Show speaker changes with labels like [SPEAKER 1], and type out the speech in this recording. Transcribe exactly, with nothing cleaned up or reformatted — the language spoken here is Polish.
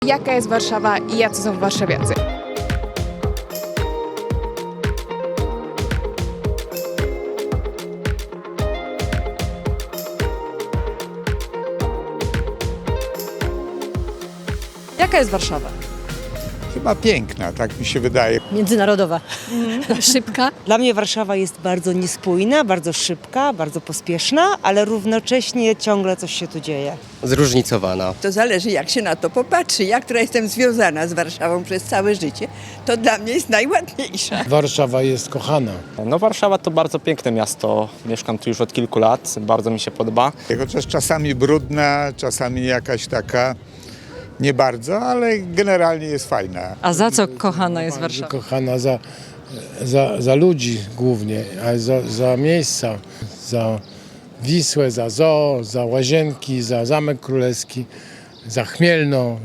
[SPEAKER 1] Jaka jest Warszawa i jacy są warszawiacy?
[SPEAKER 2] Jaka jest Warszawa?
[SPEAKER 3] Chyba piękna, tak mi się wydaje.
[SPEAKER 4] Międzynarodowa.
[SPEAKER 2] Szybka?
[SPEAKER 4] Dla mnie Warszawa jest bardzo niespójna, bardzo szybka, bardzo pospieszna, ale równocześnie ciągle coś się tu dzieje.
[SPEAKER 5] Zróżnicowana.
[SPEAKER 6] To zależy, jak się na to popatrzy. Ja, która jestem związana z Warszawą przez całe życie, to dla mnie jest najładniejsza.
[SPEAKER 7] Warszawa jest kochana.
[SPEAKER 8] No Warszawa to bardzo piękne miasto. Mieszkam tu już od kilku lat, bardzo mi się podoba.
[SPEAKER 3] Chociaż czasami brudna, czasami jakaś taka nie bardzo, ale generalnie jest fajna.
[SPEAKER 2] A za co kochana jest
[SPEAKER 7] Bardzo
[SPEAKER 2] Warszawa?
[SPEAKER 7] kochana za, za, za ludzi głównie, a za, za miejsca, za Wisłę, za zoo, za Łazienki, za Zamek Królewski, za Chmielno.